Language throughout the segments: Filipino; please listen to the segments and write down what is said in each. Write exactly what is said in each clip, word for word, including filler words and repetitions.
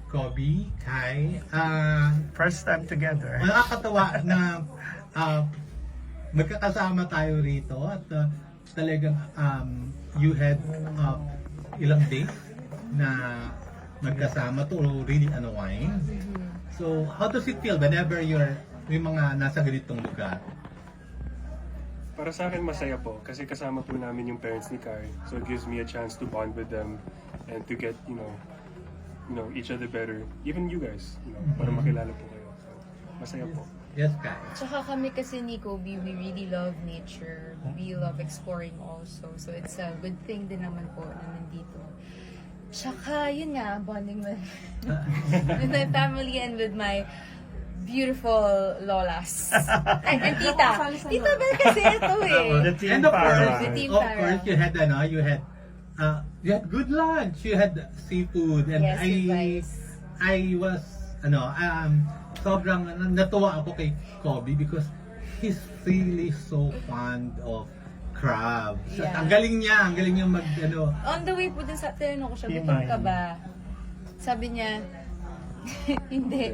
Kobe, Kai, ah, First time together. nakakatawa na ah, magkakasama tayo rito at ah, talagang um, you had ah, ilang days na magkasama to really unwind. So, how does it feel whenever you're may mga nasa ganitong lugar? Para sa akin, masaya po. Kasi kasama po namin yung parents ni Kai. So it gives me a chance to bond with them and to get, you know, you know, each other better. Even you guys, you know, para makilala po kayo. So, masaya po. Yes, Kai. Tsaka kami kasi ni Kobe, we really love nature. We love exploring also. So it's a good thing din naman po na nandito. Tsaka yun nga, bonding with, with my family and with my beautiful lolas. and, and tita. Tita Bel kasi ito eh. The team And of course, para. The team of para. course, you had ano, you had uh, you had good lunch, you had seafood, and Yes, I you guys. I was ano um sobrang natuwa ako kay Kobe because he's really so fond of crabs. At Yeah. ang galing niya, ang galing niya mag ano. On the way po dun sa tinanong ko siya, Himay. gutom ka ba? Sabi niya, hindi.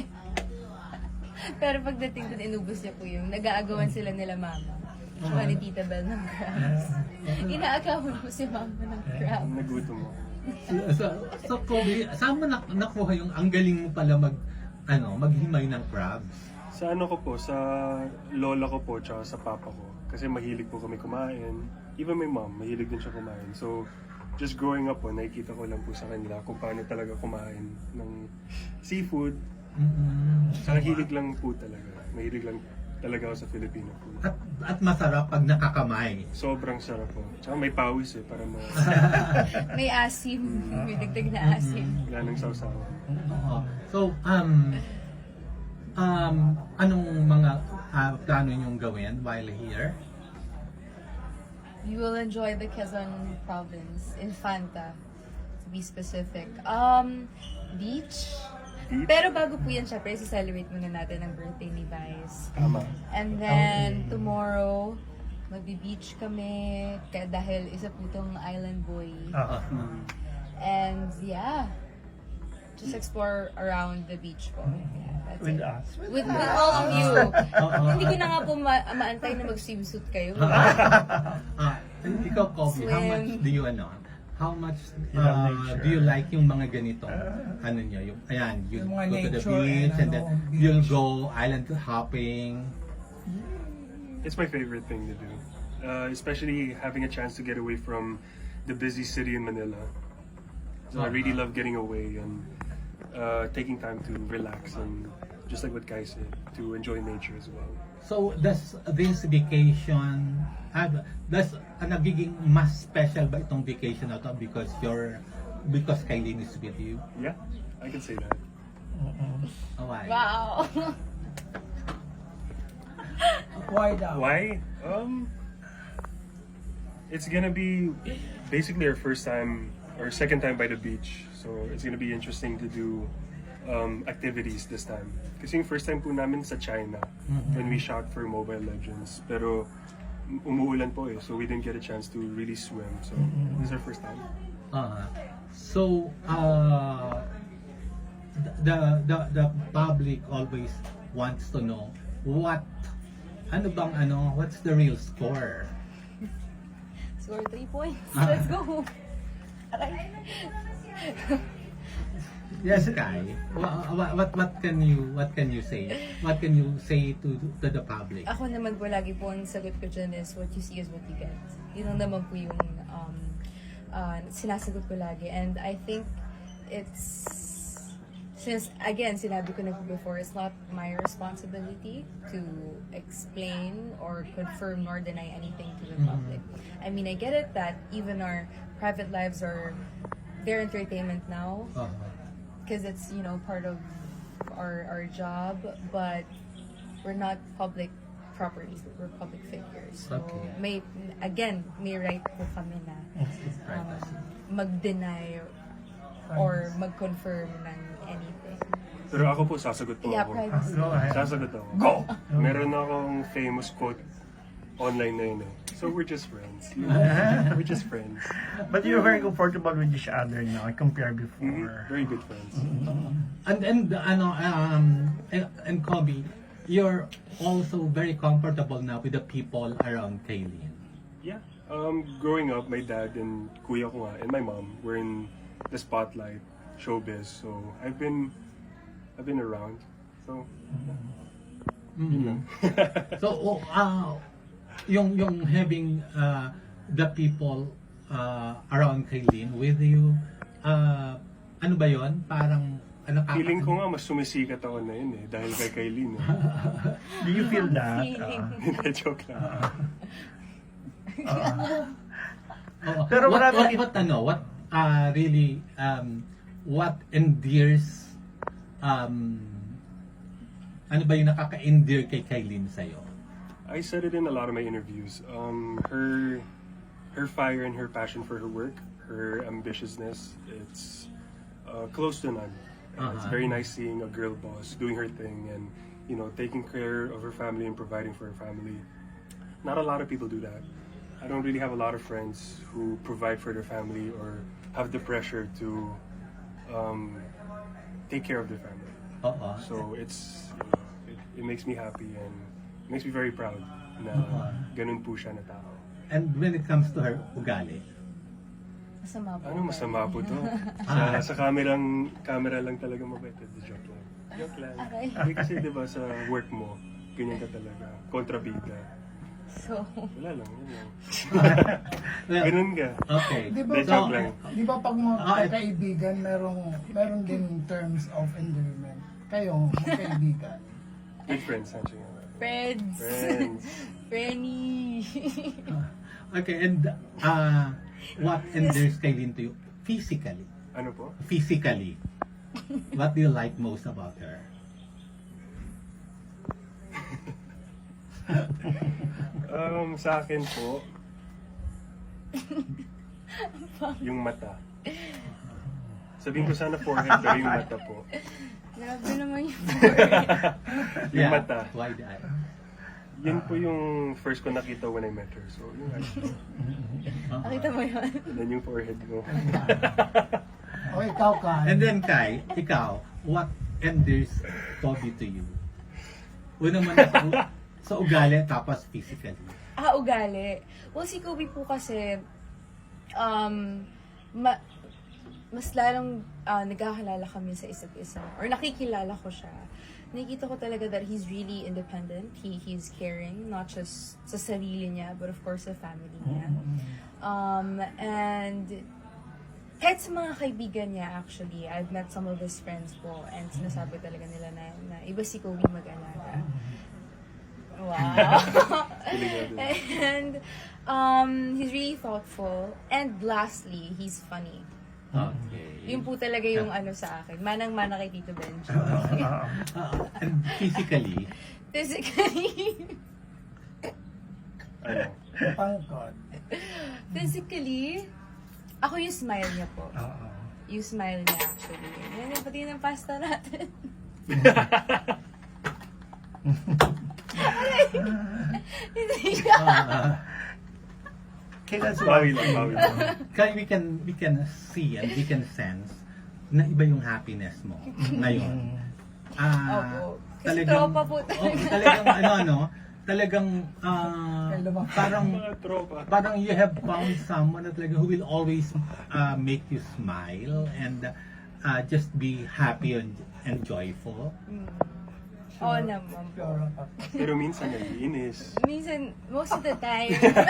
Pero pagdating dun, inubos niya po yung nag-aagawan sila nila mama. Tsaka ni Tita Bel ng crabs. Inaagawan po si mama ng crab. Nagutom mo. So, so, so Kobe, saan mo na, nakuha yung ang galing mo pala mag ano, maghimay ng crabs? Sa ano ko po, sa lola ko po, tsaka sa papa ko. Kasi mahilig po kami kumain. Even my mom, mahilig din siya kumain. So, just growing up po, nakikita ko lang po sa kanila kung paano talaga kumain ng seafood. Mm-mm. Saka hilig lang po talaga. Mahilig lang talaga ako sa Filipino food. At at masarap pag nakakamay. Sobrang sarap po. Tsaka may pawis eh, para ma... May asim. May dagdag na asim. Wala nang sausawa. Oo. So, um, um, anong mga ah, plano niyong gawin while here? You will enjoy the Quezon province, Infanta, to be specific. Um, beach. Beach? Pero bago po yan, syempre, celebrate muna natin ang birthday ni Vice. Tama. And then, tomorrow, magbi-beach kami kaya dahil isa po tong island boy. Oo. And yeah, just explore around the beach po. Yeah, that's With it. us. With, with all of you. Oo. Hindi ko na nga po ma- maantay na mag-swimsuit kayo. Ah, ikaw, Kobe, how Swim. much do you ano? How much You uh, love nature. do you like yung mga ganito? ano niyo, yung ayan, you Yung mga go to the nature beach and and then ano, beach. you'll go island hopping. It's my favorite thing to do. Uh, especially having a chance to get away from the busy city in Manila. So I really love getting away and uh, taking time to relax and just like what Kai said, to enjoy nature as well. So, does this vacation, ah, does uh, nagiging mas special ba itong vacation na to because you're, because Kylie is with you? Yeah, I can say that. Oh, why? Wow! Why daw? Why? Um, it's gonna be basically our first time or second time by the beach. So it's gonna be interesting to do um, activities this time. Kasi yung first time po namin sa China when we shot for Mobile Legends. Pero umuulan po eh, so we didn't get a chance to really swim. So this is our first time. Uh, so, uh, the, the, the public always wants to know what, ano bang ano, what's the real score? Score three points. Ah. Let's go! Aray. Yes, Kai. What, what, what can you, what can you say? What can you say to, to the public? Ako naman po, lagi po ang sagot ko dyan is what you see is what you get. Yun lang naman po yung um, uh, sinasagot ko lagi. And I think it's, since again, sinabi ko na po before, it's not my responsibility to explain or confirm nor deny anything to the public. I mean, I get it that even our private lives are their entertainment now. Uh, Because it's, you know, part of our our job, but we're not public properties, we're public figures. So, Okay. may, again, may right po kami na um, mag-deny or mag-confirm ng anything. Pero ako po, sasagot po Yeah, ako. privacy. Go ahead. Sasagot ako. Go! Meron akong famous quote online na yun eh. So we're just friends. You know? We're just friends. But you're very comfortable with each other now compared Mhm. before. Very good friends. And and ano um and, and Kobe, you're also very comfortable now with the people around Kaylin. Yeah. Um, growing up, my dad and kuya ko nga, and my mom were in the spotlight, showbiz. So I've been, I've been around. So yun lang. So oh, uh, yung yung having uh, the people uh, around Kaylin with you, uh, ano ba yon? Parang ano ka? Feeling ko nga mas sumisikat ako na yun eh, dahil kay Kailin. Eh. Do you feel that? Feeling. Uh, Hindi, joke lang. Oo. Pero what, marami what, din- what ano, what uh, really um, what endears um, ano ba yung nakaka-endear kay Kaylin sa'yo? I said it in a lot of my interviews. Um, her, her fire and her passion for her work, her ambitiousness, it's uh, close to none. And It's Uh-huh. very nice seeing a girl boss doing her thing and you know taking care of her family and providing for her family. Not a lot of people do that. I don't really have a lot of friends who provide for their family or have the pressure to um, take care of their family. Oo. So it's you know, it, it makes me happy and it makes me very proud na Uh-huh. ganun po siya na tao. And when it comes to her ugali, Masama po. Ano masama po to? Ah. sa, sa kamerang camera lang talaga mabait. Joke lang. Joke lang. Aray. Hindi kasi di ba sa work mo, ganyan ka talaga. Kontrabida. So, Wala lang, yun lang. well, Ganun ka. okay. Di ba, Hindi, joke lang. di ba pag mga Ah, it- kaibigan, merong, meron din terms of endearment. Kayo, magkaibigan. Good friends, actually. friends. Friends. Frenny. Okay, and uh, what endears Kaylin to you physically? Ano po? Physically, what do you like most about her? Um, sa akin po, yung mata. Sabihin ko sana forehead, pero yung mata po. Grabe naman yung forehead. Yung mata. Wide eye. Yun po yung first ko nakita when I met her. So, yun actually. Nakita mo yun? Then yung forehead ko. O ikaw, Kai. And then Kai, ikaw, what endears Kobe to you? Una man sa, u- sa ugali, tapos physically. Ah, ugali. Well, si Kobe po kasi, um, ma- mas lalong ah, nagkakilala kami sa isa't isa. Or nakikilala ko siya. Nakikita ko talaga that he's really independent. He he's caring, not just sa sarili niya, but of course sa family niya. Um, and kahit sa mga kaibigan niya actually, I've met some of his friends po and sinasabi talaga nila na, na iba si Kobe mag-alaga. Wow. And um, he's really thoughtful. And lastly, he's funny. Okay. Yun po talaga yung ano sa akin. Manang-mana kay Tito Benji. Uh, and physically, Physically, Ano? Pangkod. physically, ako yung smile niya po. Oo. Yung smile niya actually. Yan yung pati ng pasta natin. Hindi siya. uh, Okay, that's Bawi one lang, thing. bawi lang. Kaya we can we can see and we can sense na iba yung happiness mo ngayon. Ah, Opo. Kasi tropa po talaga. Oh, talagang ano ano, talagang ah, Kaya lumaki. parang Mga tropa. parang you have found someone na talaga who will always uh, make you smile and uh, just be happy and, and joyful. Oo naman po. Pure up. Pero minsan nag-iinis. Minsan, most of the time.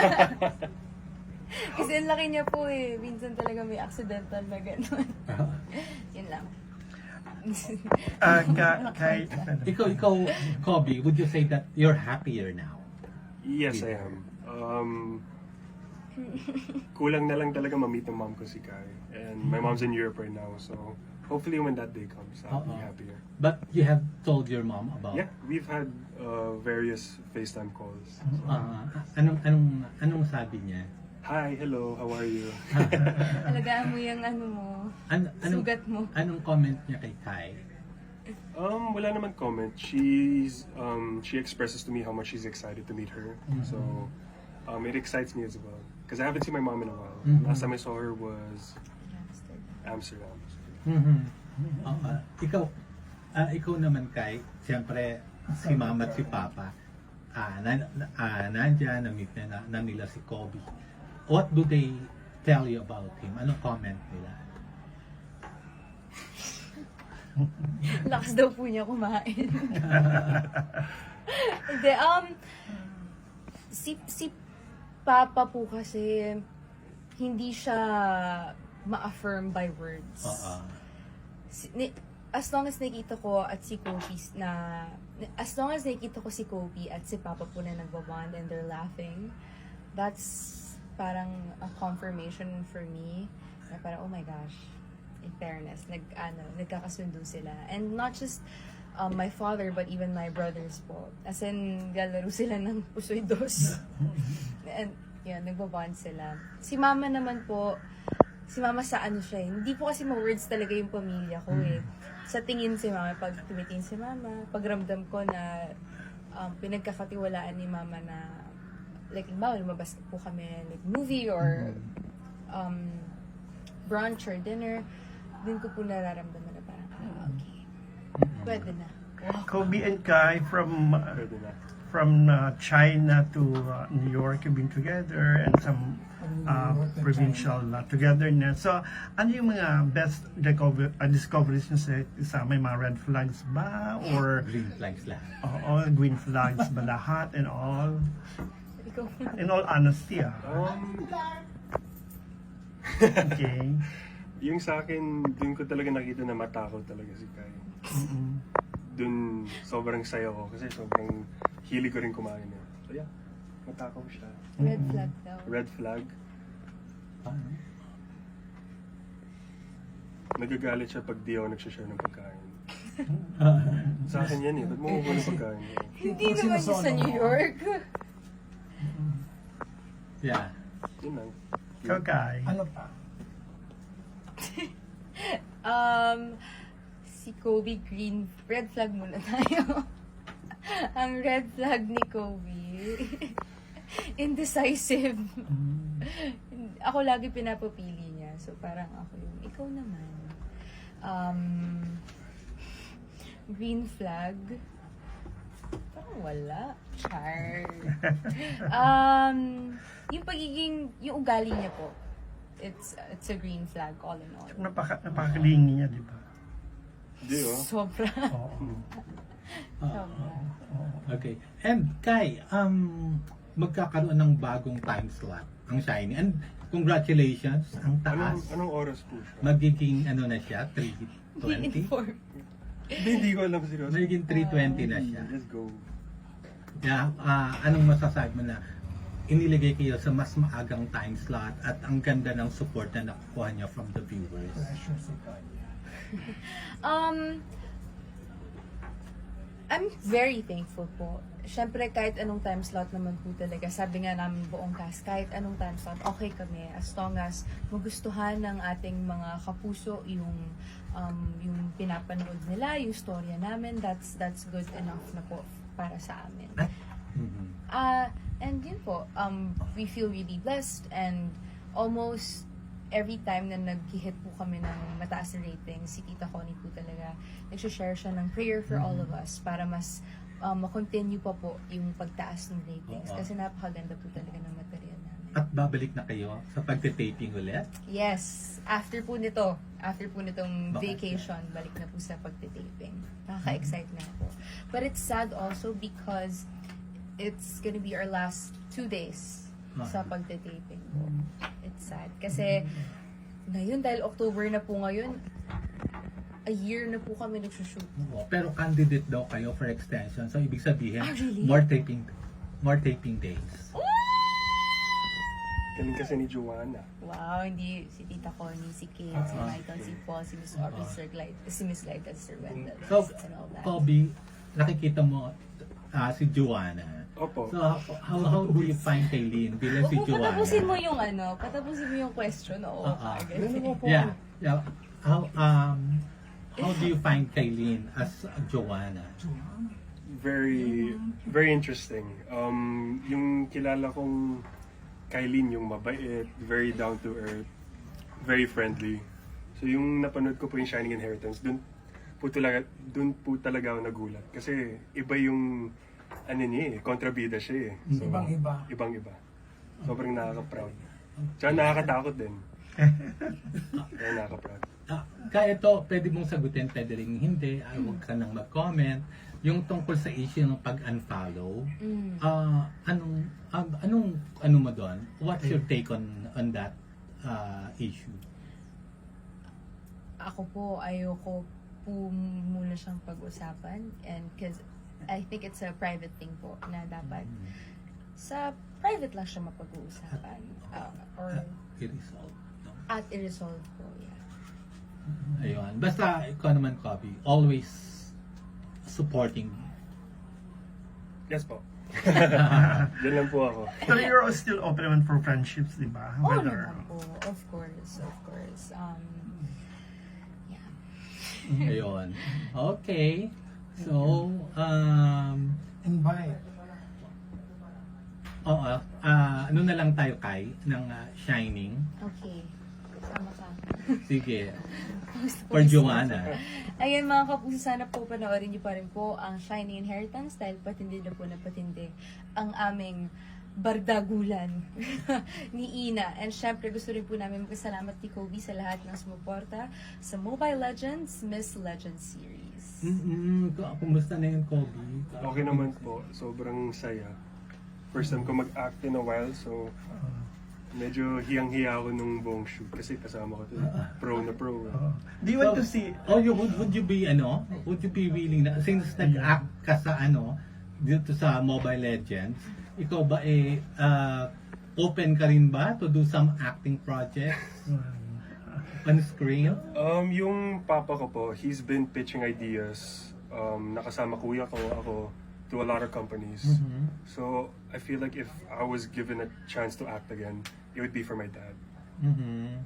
Kasi ang laki niya po eh. Minsan talaga may accidental na gano'n. Yun lang. Ah, ka, kay, Ikaw, ikaw, Kobe, would you say that you're happier now? Yes, I am. Um, kulang na lang talaga ma-meet ng mom ko si Kai. And my mom's in Europe right now, so hopefully when that day comes, I'll be Oo. happier. But you have told your mom about Yeah, we've had uh, various FaceTime calls. uh, anong anong anong sabi niya? Hi, hello, how are you? Alagaan mo yung ano mo. An, anong, Sugat mo. Anong comment niya kay Kai? Um, wala naman comment. She's um, she expresses to me how much she's excited to meet her. So um, it excites me as well. Because I haven't seen my mom in a while. Mhm. Last time I saw her was Amsterdam. Mhm. Oo. Ikaw, ah, ikaw naman kay, siyempre, si mama at si papa, ah, na, na- ah, nandyan, na-meet na, na, na nila si Kobe. What do they tell you about him? Anong comment nila? Lakas daw po niya kumain. Hindi, um, si, si Papa po kasi, hindi siya ma-affirm by words. Oo. Si- ni- as long as nakita ko at si Kobe na, as long as nakita ko si Kobe at si Papa po na nagbabond and they're laughing, that's parang a confirmation for me na parang, oh my gosh, in fairness, nag, ano, nagkakasundo sila. And not just um, my father, but even my brothers po. As in, galaro sila ng pusoy dos. And, yun, nagbabond sila. Si mama naman po, si mama sa ano siya eh. Hindi po kasi ma-words talaga yung pamilya ko eh. Sa tingin si mama, pag tumitingin si mama, pagramdam ko na um, pinagkakatiwalaan ni mama na like, ba, lumabas po kami like movie or um, brunch or dinner, dun ko po nararamdaman na parang, ah, okay. Pwede na. Wow. Kobe and Kai from uh, Pwede na. from uh, China to uh, New York have been together and some uh, provincial uh, togetherness. So, ano yung mga best discover, uh, discoveries nyo sa isa? May mga red flags ba? Or Green flags lahat. all green flags ba lahat and all? Ikaw. In all honesty, ah. Um, Okay. yung sa akin, dun ko talaga nakita na matakot talaga si Kai. Mm-mm. Dun sobrang saya ko kasi sobrang hilig ko rin kumain eh. So yeah, matakaw siya. Red flag daw. Red flag. Paano? Nagagalit siya pag di ako nagsashare ng pagkain. Sa akin yan eh. Ba't mo kukuha ng pagkain? Hindi naman yun sa New York. Yeah. Yun lang. Ikaw, Kai. Ano pa? Um, si Kobe Green, red flag muna tayo. Ang red flag ni Kobe, indecisive. Ako lagi pinapapili niya. So parang ako yung, ikaw naman. Um, green flag, parang wala. Char. Um, yung pagiging, yung ugali niya po, it's it's a green flag all in all. Napaka, napakalingi niya, di ba? Hindi oh. Sobra. Oo. Sobra. Okay. And Kai, um, magkakaroon ng bagong time slot ang Shiny. And congratulations, ang Anong, taas. anong oras po siya? Magiging ano na siya, three twenty? Inform. Hindi, hindi ko alam seryoso. Magiging three twenty na siya. Let's go. Yeah, ah, anong masasabi mo na inilagay kayo sa mas maagang time slot at ang ganda ng support na nakukuha niyo from the viewers? Pressure si Kanye. Um, I'm very thankful po. Siyempre, kahit anong time slot naman po talaga, sabi nga namin buong cast, kahit anong time slot, okay kami. As long as magustuhan ng ating mga kapuso yung um, yung pinapanood nila, yung storya namin, that's that's good enough na po para sa amin. Mhm. Uh, and yun po, um, we feel really blessed and almost every time na nag-hit po kami ng mataas na rating, si Tita Connie po talaga, nag-share siya ng prayer for all of us para mas um, ma-continue pa po yung pagtaas ng ratings. Oo. Kasi napakaganda po talaga ng material namin. At babalik na kayo sa pagte-taping ulit? Yes, after po nito, after po nitong Bakit? vacation, balik na po sa pagtitaping. Nakaka-excite na po. But it's sad also because it's gonna be our last two days sa pagtitaping po. It's sad. Kasi ngayon, dahil October na po ngayon, a year na po kami nagsushoot. Oo, pero candidate daw kayo for extension. So ibig sabihin, Ah, really? more taping more taping days. Galing kasi ni Joanna. Wow, hindi si Tita Connie, si Kate, si Michael, si Paul, si Miss Aubrey, Sir Glide, si Miss Glide, Sir Wendell, So, and all that. Kobe, nakikita mo ah, si Joanna. Opo. So, how, how, how do you find Kaylin bilang si Huwag mo Joanna? patapusin mo yung ano, patapusin mo yung question, oo. Oo. agad. Yeah, yeah. How, um, how do you find Kailin as Joanna? Very, very interesting. Um, yung kilala kong Kylene, yung mabait, very down to earth, very friendly. So yung napanood ko po yung Shining Inheritance, dun po talaga, dun po talaga ako nagulat. Kasi iba yung, ano niya eh, kontrabida siya eh. So, Ibang-iba. Ibang-iba. Sobrang nakaka-proud. Tsaka nakakatakot din. Kaya nakaka-proud. Ah, kaya ito, pwede mong sagutin, pwede rin hindi, ah, huwag ka nang mag-comment. Yung tungkol sa issue ng pag-unfollow, Mm. ah, anong, ah, anong, ano mo doon? What's your take on on that ah, issue? Ako po, ayoko po muna siyang pag-usapan. And because I think it's a private thing po na dapat sa private lang siya mapag-uusapan. Uh, or I-resolve. No? at i-resolve po, yeah. Ayun. Basta, ikaw naman, Kobe, always supporting me. Yes po. Diyan lang po ako. So you're still open naman for friendships, di ba? Oo Whether- naman po, of course, of course. Um, yeah. Ayun. Okay. So, um, Invite. oo, ah, ano na lang tayo, Kai, ng ah, Shining. Okay. Sama ka. Sige. Gusto ko For isa- Joanna. Ayun mga kapuso, sana po panoorin niyo pa rin po ang Shining Inheritance dahil patindi na po na patindi ang aming bardagulan ni Ina. And syempre gusto rin po namin magpasalamat ni Kobe sa lahat ng sumuporta sa Mobile Legends Miss Legends series. Mm-mm. K- Kumusta na yung Kobe? Okay naman po. Sobrang saya. First time ko mag-act in a while, so medyo hiyang-hiya ako nung buong shoot kasi kasama ko to pro na pro. Oh. Do you want to see Oh, you, would, would you be, ano, would you be willing na, since nag-act ka sa, ano, dito sa Mobile Legends, ikaw ba eh, ah, open ka rin ba to do some acting projects on screen? Um, yung papa ko po, he's been pitching ideas. Um, nakasama kuya ko ako to a lot of companies. Mhm. So, I feel like if I was given a chance to act again, it would be for my dad. Mhm.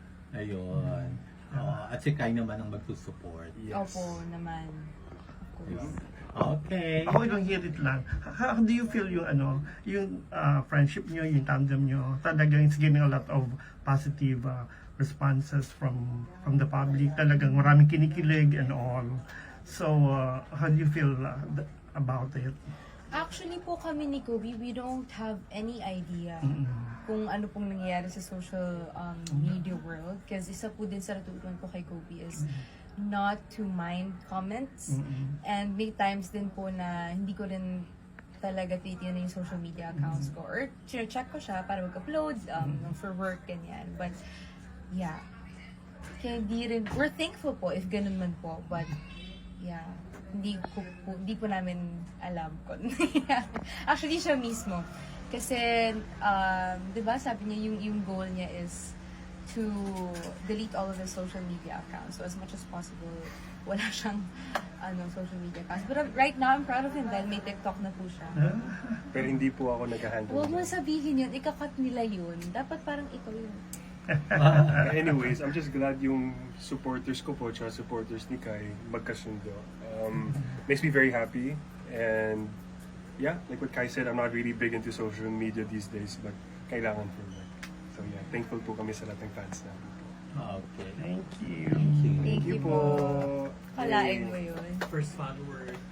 Ayun. Oo, at si Kai naman ang magsusupport. Yes. Opo naman. Of course. Okay. Ako lang hear it lang. How, how do you feel yung ano, yung uh, friendship nyo, yung tandem nyo? Talagang it's getting a lot of positive uh, responses from from the public. Talagang maraming kinikilig and all. So, uh, how do you feel uh, th- about it? Actually po kami ni Kobe, we don't have any idea Mm-mm. kung ano pong nangyayari sa social um, media world. Kasi isa po din sa natutunan ko kay Kobe is not to mind comments. Mm-mm. And may times din po na hindi ko rin talaga titignan yung social media accounts ko. Or check ko siya para mag-upload um, for work, ganyan. But, yeah. Kaya hindi rin, we're thankful po if ganun man po. But, yeah. Hindi ko po, hindi po namin alam kung actually siya mismo. Kasi, um, di ba, sabi niya yung, yung goal niya is to delete all of his social media accounts. So as much as possible, wala siyang ano, social media accounts. But uh, right now, I'm proud of him dahil may TikTok na po siya. Pero hindi po ako nag-handle. Huwag mo dyan. sabihin yun, ikakat nila yun. Dapat parang ikaw yun. Anyways, I'm just glad yung supporters ko po, tsaka supporters ni Kai, magkasundo. Um, makes me very happy. And yeah, like what Kai said, I'm not really big into social media these days, but kailangan for work. So yeah, thankful po kami sa lahat ng fans namin po. Okay. Thank you. Thank you po. Kalain Yay. mo yun. First follower